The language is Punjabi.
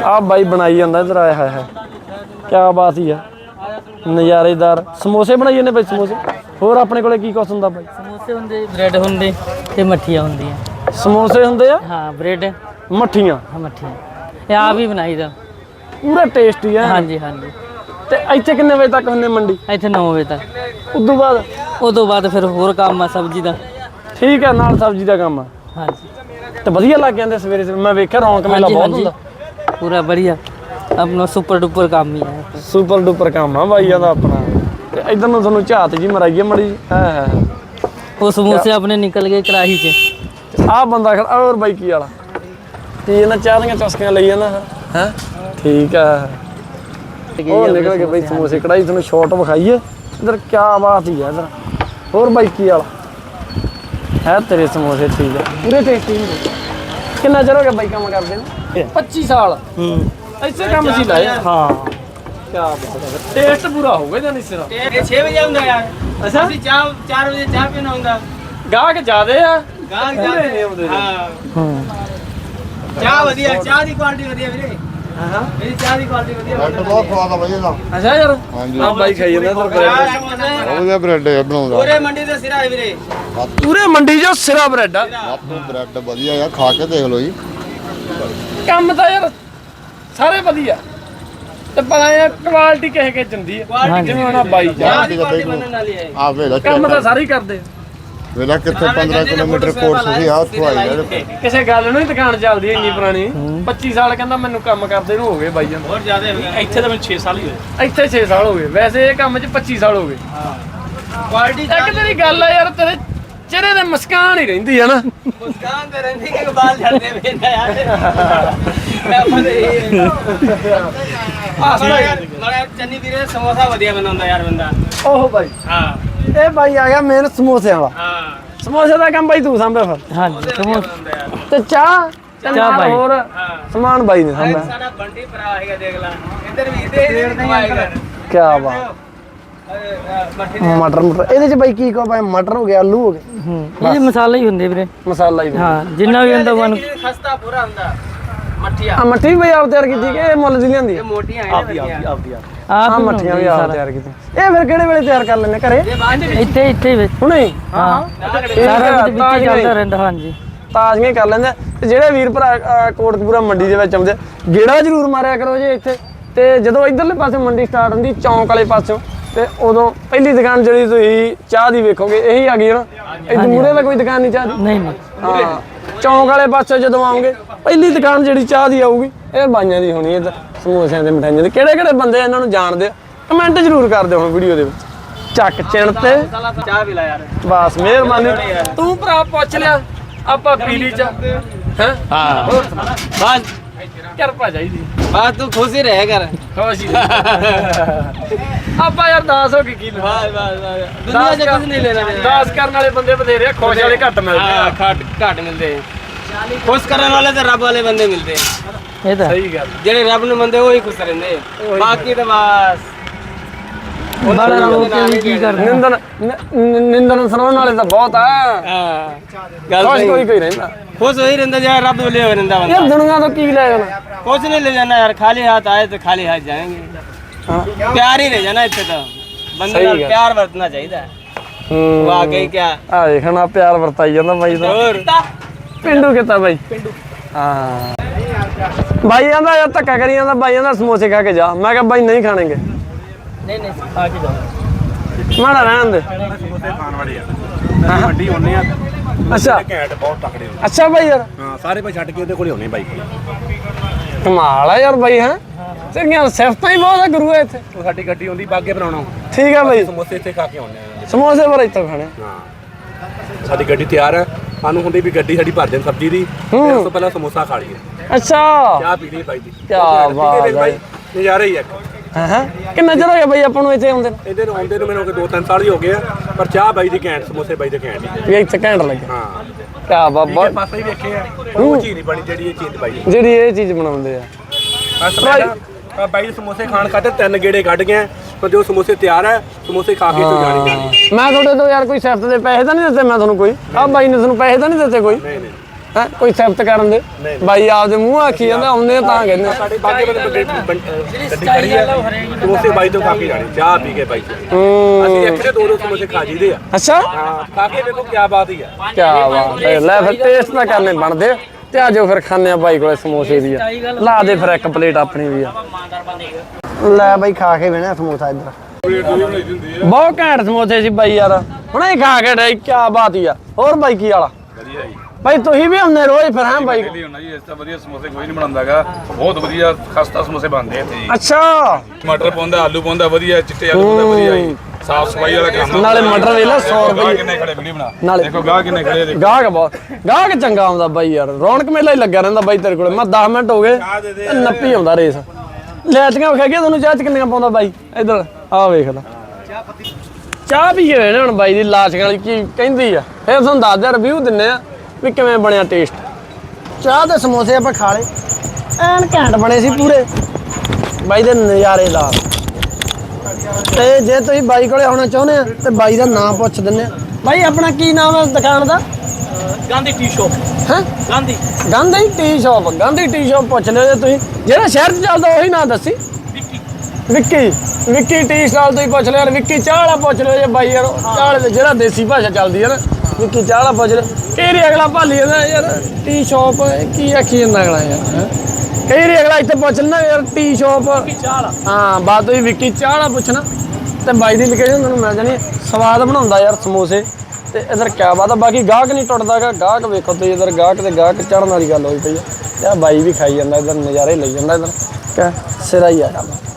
ਆ ਬਾਈ ਬਣਾਈ ਜਾਂਦਾ ਇਧਰ ਆਇਆ ਹੈ ਕਿਆ ਬਾਤ ਹੀ ਆ ਨਜ਼ਾਰੇਦਾਰ ਸਮੋਸੇ ਬਣਾਈ ਜਾਂਦੇ ਬਾਈ ਸਮੋਸੇ ਹੋਰ ਆਪਣੇ ਕੋਲੇ ਕੀ ਕੁਛ ਹੁੰਦਾ ਬਾਈ ਸਮੋਸੇ ਹੁੰਦੇ ਬ੍ਰੈਡ ਹੁੰਦੇ ਤੇ ਮੱਠੀਆਂ ਹੁੰਦੀਆਂ ਸਮੋਸੇ ਹੁੰਦੇ ਆ ਹਾਂ ਬ੍ਰੈਡ ਮੱਠੀਆਂ ਹਾਂ ਮੱਠੀਆਂ ਇਹ ਆਪ ਹੀ ਬਣਾਈਦਾ ਪੂਰਾ ਟੇਸਟੀ ਆ ਹਾਂਜੀ ਹਾਂਜੀ ਤੇ ਇੱਥੇ ਕਿੰਨੇ ਵਜੇ ਤੱਕ ਹੁੰਦੇ ਮੰਡੀ ਇੱਥੇ 9 ਵਜੇ ਤੱਕ ਉਦੋਂ ਬਾਅਦ ਫਿਰ ਹੋਰ ਕੰਮ ਆ ਸਬਜ਼ੀ ਦਾ ਠੀਕ ਆ ਨਾਲ ਸਬਜ਼ੀ ਦਾ ਕੰਮ ਆ ਹਾਂਜੀ ਤੇ ਵਧੀਆ ਲੱਗ ਜਾਂਦੇ ਸਵੇਰੇ ਮੈਂ ਵੇਖਿਆ ਰੌਣਕ ਮੇਲਾ ਬਹੁਤ ਹੁੰਦਾ ਪੂਰਾ ਵਧੀਆ ਆਪਣਾ ਸੁਪਰ ਡੁਪਰ ਕੰਮ ਹੀ ਹੈ ਸੁਪਰ ਡੁਪਰ ਕੰਮ ਆ ਬਾਈਆਂ ਦਾ ਆਪਣਾ ਤੇ ਇਧਰ ਨੂੰ ਤੁਹਾਨੂੰ ਝਾਤ ਜੀ ਮਰਾਈਏ ਮੜੀ ਹੈ ਉਹ ਸਮੋਸੇ ਆਪਣੇ ਨਿਕਲ ਗਏ ਕੜਾਹੀ 'ਚ ਆਹ ਬੰਦਾ ਖੜਾ ਹੋਰ ਬਾਈ ਕੀ ਵਾਲਾ ਕੀ ਇਹਨਾਂ ਚਾਹ ਦੀਆਂ ਚਸਕੀਆਂ ਲਈ ਜਾਂਦਾ ਹੈ ਠੀਕ ਆ ਉਹ ਨਿਕਲ ਗਏ ਬਾਈ ਸਮੋਸੇ ਕੜਾਈ ਤੁਹਾਨੂੰ ਸ਼ਾਰਟ ਵਿਖਾਈਏ ਇਧਰ ਕੀ ਬਾਤ ਹੀ ਆ ਇਧਰ ਹੋਰ ਬਾਈ ਕੀ ਵਾਲਾ ਹੈ ਤੇਰੇ ਸਮੋਸੇ ਠੀਕ ਆ ਪੂਰੇ ਟੇਸਟੀ ਹੁੰਦੇ ਕਿੰਨਾ ਚਿਰ ਹੋ ਗਿਆ ਬਾਈ ਕੰਮ ਕਰਦੇ ਨੇ 25 ਸਾਲ ਐਸੇ ਕੰਮ ਸੀ ਲਾਏ ਹਾਂ ਕੀ ਬਾਤ ਹੈ ਟੇਸਟ ਪੂਰਾ ਹੋਊਗਾ ਜਾਂ ਨਹੀਂ ਸਿਰਾ ਇਹ 6 ਵਜੇ ਆਉਂਦਾ ਯਾਰ ਅੱਛਾ ਅਸੀਂ 4 ਵਜੇ ਚਾਹ ਪੀਣ ਆਉਂਦਾ ਗਾਹਕ ਜ਼ਿਆਦੇ ਆ ਗਾਹਕ ਜਾਂਦੇ ਆਉਂਦੇ ਹਾਂ ਚਾਹ ਵਧੀਆ ਚਾਹ ਦੀ ਕੁਆਲਿਟੀ ਵਧੀਆ ਵੀਰੇ ਹਾਂ ਮੇਰੀ ਚਾਹ ਦੀ ਕੁਆਲਿਟੀ ਵਧੀਆ ਬਹੁਤ ਸਵਾਦ ਆ ਵਧੀਆ ਦਾ ਅੱਛਾ ਯਾਰ ਆ ਬਾਈ ਖਾਈ ਜਾਂਦਾ ਇਧਰ ਉਹਦਾ ਬ੍ਰੈਡ ਬਣਾਉਂਦਾ ਪੂਰੇ ਮੰਡੀ ਦਾ ਸਿਰਾ ਹੈ ਵੀਰੇ ਪੂਰੇ ਮੰਡੀ 'ਚ ਸਿਰਾ ਬ੍ਰੈਡ ਆ ਵਾਧੂ ਬ੍ਰੈਡ ਵਧੀਆ ਆ ਖਾ ਕੇ ਦੇਖ ਲਓ ਜੀ ਕੰਮ ਤਾਂ ਯਾਰ ਸਾਰੇ ਵਧੀਆ ਤੇ ਪਤਾ ਯਾਰ ਕੁਆਲਿਟੀ ਕਿਸੇ ਕੇ ਜਾਂਦੀ ਆ ਜਿਵੇਂ ਹੁਣ ਬਾਈ ਚਾਹ ਦੀ ਕੁਆਲਿਟੀ ਮੰਨਣ ਵਾਲੀ ਹੈ ਆ ਵੇਲਾ ਕੰਮ ਤਾਂ ਸਾਰੇ ਹੀ ਕਰਦੇ ਵੇਲਾ ਕਿੱਥੇ 15 ਕਿਲੋਮੀਟਰ ਕੋਰਸ ਸੀ ਆ ਉੱਥੋਂ ਆਈ ਯਾਰ ਕਿਸੇ ਗੱਲ ਨੂੰ ਹੀ ਦੁਕਾਨ ਚੱਲਦੀ ਇੰਨੀ ਪੁਰਾਣੀ 25 ਸਾਲ ਕਹਿੰਦਾ ਮੈਨੂੰ ਕੰਮ ਕਰਦੇ ਨੂੰ ਹੋ ਗਏ ਬਾਈ ਜਾਂਦਾ ਬਹੁਤ ਜ਼ਿਆਦਾ ਇੱਥੇ ਤਾਂ ਮੈਨੂੰ 6 ਸਾਲ ਹੀ ਹੋਏ ਇੱਥੇ 6 ਸਾਲ ਹੋ ਗਏ ਵੈਸੇ ਇਹ ਕੰਮ 'ਚ 25 ਸਾਲ ਹੋ ਗਏ ਕੁਆਲਿਟੀ ਇੱਕ ਤੇਰੀ ਗੱਲ ਆ ਯਾਰ ਤੇਰੇ ਚਿਹਰੇ ਤੇ ਮੁਸਕਾਨ ਹੀ ਰਹਿੰਦੀ ਆ ਨਾ ਮੁਸਕਾਨ ਤੇ ਰਹਿੰਦੀ ਕਿ ਬਾਲ ਝੜਦੇ ਵੇਂਦਾ ਯਾਰ ਮੈਂ ਪਤਾ ਮੜਾ ਚੰਨੀ ਵੀਰੇ ਸਮੋਸਾ ਵਧੀਆ ਬਣਾਉਂਦਾ ਯਾਰ ਬੰਦਾ ਓਹ ਬਾਈ ਹਾਂ ਇਹ ਬਾਈ ਆ ਗਿਆ ਮੇਨ ਸਮੋਸਿਆਂ ਵਾਲਾ ਹਾਂ ਸਮੋਸੇ ਦਾ ਕੰਮ ਬਾਈ ਤੂੰ ਸਾਂਭਿਆ ਫਿਰ ਹਾਂਜੀ ਸਮੋਸੇ ਤੇ ਚਾਹ ਬਾਈ। ਹੋਰ ਸਮਾਨ ਬਾਈ ਨੇ ਸਾਂਭਿਆ ਸਾਡਾ ਬੰਡੀ ਭਰਾ ਹੈਗਾ ਦੇਖ ਲੈ ਇੱਧਰ ਵੀ ਇਹਦੇ ਖਵਾਏਗਾ ਕੀ ਬਾਤ ਮਟਰ ਇਹਦੇ 'ਚ ਬਾਈ ਕੀ ਕੋ ਬਾਈ ਮਟਰ ਹੋ ਗਿਆ ਆਲੂ ਹੋ ਗਏ ਇਹ ਮਸਾਲੇ ਹੀ ਹੁੰਦੇ ਵੀਰੇ ਮਸਾਲਾ ਹੀ ਹਾਂ ਜਿੰਨਾ ਵੀ ਹੁੰਦਾ ਵਨ ਖਸਤਾ ਪੂਰਾ ਹੁੰਦਾ ਮੱਠੀਆਂ ਆ ਮੱਠੀ ਵੀ ਬਈ ਆਪ ਤਿਆਰ ਕੀਤੀ ਕਿ ਇਹ ਮੁੱਲ ਦੀ ਲਿਆਂਦੀ ਇਹ ਮੋਟੀਆਂ ਹੈ ਆਪਦੀ ਆਪ ਆ ਮੱਠੀਆਂ ਵੀ ਆਪ ਤਿਆਰ ਕੀਤੀ ਇਹ ਫਿਰ ਕਿਹੜੇ ਵੇਲੇ ਤਿਆਰ ਕਰ ਲੈਣੇ ਘਰੇ ਇੱਥੇ ਵਿੱਚ ਹੁਣੇ ਹਾਂ ਸਾਰਾ ਕੁਝ ਵਿੱਚ ਚੱਲਦਾ ਰਹਿੰਦਾ ਹਾਂਜੀ ਤਾਜ਼ੀਆਂ ਕਰ ਲੈਂਦੇ ਤੇ ਜਿਹੜੇ ਵੀਰ ਭਰਾ ਕੋਟਕਪੂਰਾ ਮੰਡੀ ਦੇ ਵਿੱਚ ਆਉਂਦੇ ਗੇੜਾ ਜ਼ਰੂਰ ਮਾਰਿਆ ਕਰੋ ਜੇ ਇੱਥੇ ਤੇ ਜਦੋਂ ਇਧਰਲੇ ਪਾਸੇ ਮੰਡੀ ਸਟਾਰਟ ਹੁੰਦੀ ਚੌਂਕ ਵਾਲੇ ਪਾਸੋਂ ਤੇ ਉਦੋਂ ਪਹਿਲੀ ਦੁਕਾਨ ਜਿਹੜੀ ਤੁਸੀਂ ਚਾਹ ਦੀ ਵੇਖੋਗੇ ਇਹੀ ਆ ਗਈ ਨਾ ਇੱਧਰ ਮੂਰੇ ਤਾਂ ਕੋਈ ਦੁਕਾਨ ਨਹੀਂ ਚਾਹ ਦੀ ਨਹੀਂ ਹਾਂ ਚੌਂਕ ਵਾਲੇ ਪਾਸੇ ਜਦੋਂ ਆਉਂਗੇ ਪਹਿਲੀ ਦੁਕਾਨ ਜਿਹੜੀ ਚਾਹ ਦੀ ਆਊਗੀ ਇਹ ਬਾਈਆਂ ਦੀ ਹੋਣੀ ਇੱਧਰ ਸਮੋਸਿਆਂ ਤੇ ਮਠਾਈਆਂ ਦੇ ਕਿਹੜੇ ਕਿਹੜੇ ਬੰਦੇ ਇਹਨਾਂ ਨੂੰ ਜਾਣਦੇ ਆ ਕਮੈਂਟ ਜ਼ਰੂਰ ਕਰ ਦਿਓ ਹੁਣ ਵੀਡੀਓ ਦੇ ਵਿੱਚ ਚੱਕ ਚਿਣ ਤੇ ਚਾਹ ਵੀ ਲਾ ਯਾਰ ਬਸ ਮਿਹਰਬਾਨੀ ਤੂੰ ਭਰਾ ਪੁੱਛ ਲਿਆ ਆਪਾਂ ਪੀਲੀ ਚ ਹੈ ਹਾਂ ਹੋਰ ਬਸ ਕਿਰਪਾ ਚਾਹੀਦੀ ਬਸ ਤੂੰ ਖੁਸ਼ ਹੀ ਰਹਿ ਕਰ ਖੁਸ਼ੀ ਆਪਾਂ ਯਾਰ 10 ਹੋ ਗਏ ਕੀ ਬਸ ਬਸ ਦੁਨੀਆ 'ਚ ਕੁਝ ਨਹੀਂ ਲੈਣਾ 10 ਕਰਨ ਵਾਲੇ ਬੰਦੇ ਬਥੇਰੇ ਆ ਖੁਸ਼ ਵਾਲੇ ਘੱਟ ਮਿਲਦੇ ਆ ਘੱਟ ਮਿਲਦੇ ਖੁਸ਼ ਕਰਨ ਵਾਲੇ ਤੇ ਰੱਬ ਵਾਲੇ ਬੰਦੇ ਮਿਲਦੇ ਇਹ ਤਾਂ ਸਹੀ ਗੱਲ ਜਿਹੜੇ ਰੱਬ ਨੂੰ ਮੰਨਦੇ ਉਹ ਹੀ ਖੁਸ਼ ਰਹਿੰਦੇ ਬਾਕੀ ਤਾਂ ਬਸ ਬਾਲਾ ਲੋਕ ਵੀ ਕੀ ਕਰਦੇ ਨਿੰਦਨ ਸੁਣਾਉਣ ਵਾਲੇ ਤਾਂ ਬਹੁਤ ਆ ਹਾਂ ਗੱਲ ਖੁਸ਼ ਸਹੀ ਕੋਈ ਰਹਿੰਦਾ ਖੁਸ਼ ਹੋਈ ਰਹਿੰਦਾ ਯਾਰ ਰੱਬ ਵੱਲੇ ਹੋ ਰਹਿੰਦਾ ਬੰਦਾ ਯਾਰ ਦੁਨੀਆ ਤੋਂ ਕੀ ਲੈ ਜਾਣਾ कुछ नहीं ले जाना यार खाली हाथ आए तो खाली हाथ जाएंगे हाँ। प्यार ही ले जाना इतने तो बंदे नाल प्यार बरतना चाहिए वाकई क्या ਆ ਦੇਖਣਾ ਪਿਆਰ ਵਰਤਾਈ ਜਾਂਦਾ ਬਾਈ ਦਾ और ਪਿੰਡੂ ਕਿਤਾ ਬਾਈ ਹਾਂ ਬਾਈ ਆਂਦਾ ਯਾਰ ਧੱਕਾ ਕਰੀ ਜਾਂਦਾ ਬਾਈ ਆਂਦਾ ਸਮੋਸੇ ਖਾ ਕੇ ਜਾ ਮੈਂ ਕਿਹਾ ਬਾਈ ਨਹੀਂ ਖਾਣਗੇ ਨਹੀਂ ਨਹੀਂ ਆ ਕੇ ਜਾਓ ਮਾੜਾ ਰਹਿਣ ਦੇ ਸਮੋਸੇ ਖਾਣ ਵਾਲੇ ਆ ਮੰਡੀ ਹੁੰਨੇ ਆ ਅੱਛਾ ਘੈਂਟ ਬਹੁਤ ਤਕੜੇ ਹੁੰਦੇ ਅੱਛਾ ਬਾਈ ਯਾਰ ਹਾਂ ਸਾਰੇ ਭਾਈ ਛੱਡ ਕੇ ਉਹਦੇ ਕੋਲੇ ਹੁੰਨੇ ਬਾਈ ਕਮਾਲ ਆ ਯਾਰ ਬਾਈ ਹੈ ਤੇਰੀਆਂ ਸਿਫਤਾਂ ਹੀ ਬਹੁਤ ਆ ਗੁਰੂ ਇੱਥੇ ਉਹ ਸਾਡੀ ਗੱਡੀ ਹੁੰਦੀ ਬਾਗੇ ਬਣਾਉਣਾ ਠੀਕ ਆ ਬਾਈ ਸਮੋਸੇ ਇੱਥੇ ਖਾ ਕੇ ਆਉਂਦੇ ਆ ਸਮੋਸੇ ਪਰ ਇੱਥੋਂ ਖਾਣੇ ਹਾਂ ਸਾਡੀ ਗੱਡੀ ਤਿਆਰ ਹੈ ਸਾਨੂੰ ਹੁੰਦੀ ਵੀ ਗੱਡੀ ਸਾਡੀ ਭਰ ਦੇਣ ਸਬਜ਼ੀ ਦੀ ਫਿਰ ਉਸ ਤੋਂ ਪਹਿਲਾਂ ਸਮੋਸਾ ਖਾ ਲਈਏ ਅੱਛਾ ਚਾਹ ਪੀ ਲਈ ਬਾਈ ਦੀ ਕਿਆ ਬਾਤ ਹੈ ਬਾਈ ਨਜ਼ਾਰਾ ਹੀ ਇੱਕ ਹਾਂ ਕਿੰਨਾ ਚਿਰ ਹੋ ਗਿਆ ਬਾਈ ਆਪਾਂ ਨੂੰ ਇੱਥੇ ਆਉਂਦੇ ਨੂੰ? ਇਹਦੇ ਨੂੰ ਆਉਂਦੇ ਨੂੰ ਮੈਨੂੰ 2-3 ਸਾਲ ਹੀ ਹੋ ਗਏ ਆ ਪਰ ਚਾਹ ਬਾਈ ਦੀ ਘੈਂਟ ਸਮੋਸੇ ਬਾਈ ਦੇ ਘੈਂਟ ਹੀ ਵੀ ਇੱਥੇ ਘੈਂਟ ਲੱਗੇ ਹਾਂ ਕਿਆ ਬਾਬਾ ਪਾਸੇ ਹੀ ਵੇਖੇ ਆ ਪਰ ਉਹ ਚੀਜ਼ ਨਹੀਂ ਬਣੀ ਜਿਹੜੀ ਇਹ ਚੀਜ਼ ਬਾਈ ਜਿਹੜੀ ਇਹ ਚੀਜ਼ ਬਣਾਉਂਦੇ ਆ ਬਸ ਬਾਈ ਦੇ ਸਮੋਸੇ ਖਾਣ ਖਾਤੇ 3 ਗੇੜੇ ਕੱਢ ਗਏ ਪਰ ਜੋ ਸਮੋਸੇ ਤਿਆਰ ਹੈ ਸਮੋਸੇ ਖਾ ਕੇ ਤੂੰ ਜਾਣੀ ਜਾਣੀ ਮੈਂ ਤੁਹਾਡੇ ਤੋਂ ਯਾਰ ਕੋਈ ਸਿਫਤ ਦੇ ਪੈਸੇ ਤਾਂ ਨਹੀਂ ਦਿੱਤੇ ਮੈਂ ਤੁਹਾਨੂੰ ਕੋਈ ਆਹ ਬਾਈ ਨੇ ਤੁਹਾਨੂੰ ਪੈਸੇ ਤਾਂ ਨਹੀਂ ਦਿੱਤੇ ਕੋਈ ਨਹੀਂ ਨਹੀਂ ਹੈ ਕੋਈ ਸਿਫਤ ਕਰਨ ਦੇ ਬਾਈ ਆਪਦੇ ਮੂੰਹ ਆਖੀ ਜਾਂਦਾ ਆਉਂਦੇ ਤਾਂ ਕਹਿੰਦੇ ਸਾਡੇ ਬਾਕੀ ਬੰਦੇ ਗੱਡੀ ਖੜੀ ਹੈ ਸਮੋਸੇ ਬਾਈ ਤੋਂ ਖਾ ਕੇ ਜਾਣੇ ਚਾਹ ਪੀ ਕੇ ਬਾਈ ਅਸੀਂ ਇੱਕ ਦੇ ਦੋ ਸਮੋਸੇ ਖਾ ਜੀਦੇ ਆ ਅੱਛਾ ਹਾਂ ਖਾ ਕੇ ਵੇਖੋ ਕੀ ਬਾਤ ਹੀ ਆ ਕੀ ਬਾਤ ਹੈ ਲੈ ਫਿਰ ਟੇਸਟ ਤਾਂ ਕਰਨੇ ਬਣਦੇ ਆ। ਤੇ ਆਜੋ ਫਿਰ ਖਾਣੇ ਆ ਬਾਈ ਕੋਲੇ ਸਮੋਸੇ ਵੀ ਆ ਲਾ ਦੇ ਫਿਰ ਇੱਕ ਪਲੇਟ ਆਪਣੀ ਵੀ ਆ ਲੈ ਬਾਈ ਖਾ ਕੇ ਵੇਣਾ ਸਮੋਸਾ ਇੱਧਰ ਬਹੁਤ ਘੈਂਟ ਸਮੋਸੇ ਸੀ ਬਾਈ ਯਾਰ ਹੁਣੇ ਹੀ ਖਾ ਕੇ ਡੇ ਕੀ ਬਾਤ ਹੀ ਆ ਹੋਰ ਬਾਈ ਕੀ ਵਾਲਾ ਬਾਈ ਤੁਸੀਂ ਵੀ ਹੁੰਦੇ ਰੋਜ਼ ਫਿਰ ਹਾਂ ਬਾਈ ਹੁੰਦਾ ਜੀ ਇਸ ਤਾਂ ਵਧੀਆ ਸਮੋਸੇ ਕੋਈ ਨਹੀਂ ਬਣਾਉਂਦਾਗਾ ਬਹੁਤ ਵਧੀਆ ਖਸਤਾ ਸਮੋਸੇ ਬਣਦੇ ਇੱਥੇ ਜੀ ਅੱਛਾ ਟਮਾਟਰ ਪਾਉਂਦਾ ਆਲੂ ਪਾਉਂਦਾ ਵਧੀਆ ਚਿੱਟੇ ਆਲੂ ਪਾਉਂਦਾ ਵਧੀਆ ਜੀ ਸਾਫ ਸਫਾਈ ਵਾਲਾ ਕੰਮ ਨਾਲੇ ਮਟਰ ਵੇਲਾ 100 ਗਾਹ ਰੁਪਏ ਕਿੰਨੇ ਖੜੇ ਵੀਡੀਓ ਬਣਾ ਨਾਲੇ ਦੇਖੋ ਗਾਹ ਕਿੰਨੇ ਖੜੇ ਦੇਖੋ ਗਾਹਕ ਬਹੁਤ ਗਾਹਕ ਚੰਗਾ ਆਉਂਦਾ ਬਾਈ ਯਾਰ ਰੌਣਕ ਮੇਲਾ ਹੀ ਲੱਗਿਆ ਰਹਿੰਦਾ ਬਾਈ ਤੇਰੇ ਕੋਲੇ ਮੈਂ 10 ਮਿੰਟ ਹੋ ਗਏ ਤੇ ਨੱਪੀ ਆਉਂਦਾ ਰੇਸ ਲੈਟੀਆਂ ਵਿਖਾ ਗਿਆ ਤੁਹਾਨੂੰ ਚਾਹ ਚ ਕਿੰਨੀਆਂ ਪਾਉਂਦਾ ਬਾਈ ਇੱਧਰ ਆਹ ਵੇਖ ਲੈ ਚਾਹ ਪੀ ਕੇ ਵੇਣੇ ਹੁਣ ਬਾਈ ਦੀ ਲਾਸ਼ ਵਾਲੀ ਕੀ ਕਹਿੰਦੀ ਆ ਫਿਰ ਤੁਹਾਨੂੰ ਦੱਸਦੇ ਰਿਵਿਊ ਦਿੰਨੇ ਆ ਵੀ ਕਿਵੇਂ ਬਣਿਆ ਟੇਸਟ ਚਾਹ ਤੇ ਸਮੋਸੇ ਆਪਾਂ ਖਾ ਲਏ ਐਨ ਘੈਂਟ ਬਣੇ ਸੀ ਪੂਰੇ ਬਾਈ ਦੇ ਨਜ਼ਾਰੇਦਾਰ ਤੇ ਜੇ ਤੁਸੀਂ ਬਾਈ ਕੋਲੇ ਆਉਣਾ ਚਾਹੁੰਦੇ ਆ ਤੇ ਬਾਈ ਦਾ ਨਾਮ ਪੁੱਛ ਦਿੰਨੇ ਆ ਬਾਈ ਆਪਣਾ ਕੀ ਨਾਮ ਹੈ ਦੁਕਾਨ ਦਾ गांधी टी शॉप ਹੈ Gandhi Gandhi tea shop Gandhi tea shop ਪੁੱਛ ਲਿਓ ਜੇ ਤੁਸੀਂ ਜਿਹੜਾ ਸ਼ਹਿਰ 'ਚ ਚੱਲਦਾ ਉਹੀ ਨਾਂ ਦੱਸੀ ਵਿੱਕੀ ਟੀ ਸਟਾਲ ਤੋਂ ਹੀ ਪੁੱਛ ਲਿਓ ਯਾਰ ਵਿੱਕੀ ਚਾਹ ਵਾਲਾ ਪੁੱਛ ਲਿਓ ਜੇ ਬਾਈ ਯਾਰ ਚਾਹ ਵਾਲੇ ਜਿਹੜਾ ਦੇਸੀ ਭਾਸ਼ਾ ਚੱਲਦੀ ਹੈ ਨਾ ਵਿੱਕੀ ਚਾਹ ਵਾਲਾ ਪੁੱਛ ਲਿਓ ਕਈ ਵਾਰੀ ਅਗਲਾ ਭਾਲੀ ਜਾਂਦਾ ਯਾਰ ਟੀ ਸ਼ਾਪ ਕੀ ਆਖੀ ਜਾਂਦਾ ਅਗਲਾ ਯਾਰ ਹੈਂ। ਕਈ ਵਾਰੀ ਅਗਲਾ ਇੱਥੇ ਪੁੱਛ ਲੈਂਦਾ ਯਾਰ ਟੀ ਸ਼ਾਪ ਹਾਂ ਬਾਤ ਹੋਈ ਵਿੱਕੀ ਚਾਹ ਵਾਲਾ ਪੁੱਛਣਾ ਤੇ ਬਾਈ ਦੀ ਲੋਕੇਸ਼ਨ ਤੁਹਾਨੂੰ ਮਿਲ ਜਾਣੀ ਸਵਾਦ ਬਣਾਉਂਦਾ ਯਾਰ ਸਮੋਸੇ ਤੇ ਇਧਰ ਕਿਆ ਬਾਤ ਆ ਬਾਕੀ ਗਾਹਕ ਨਹੀਂ ਟੁੱਟਦਾਗਾ ਗਾਹਕ ਵੇਖੋ ਤੁਸੀਂ ਇਧਰ ਗਾਹਕ ਤੇ ਗਾਹਕ ਚੜਨ ਵਾਲੀ ਗੱਲ ਹੋਈ ਪਈ ਆ ਤੇ ਆ ਬਾਈ ਵੀ ਖਾਈ ਜਾਂਦਾ ਇਧਰ ਨਜ਼ਾਰੇ ਲਈ ਜਾਂਦਾ ਇਧਰ ਕਿਆ ਸਿਰਾ ਹੀ ਆ ਕੰਮ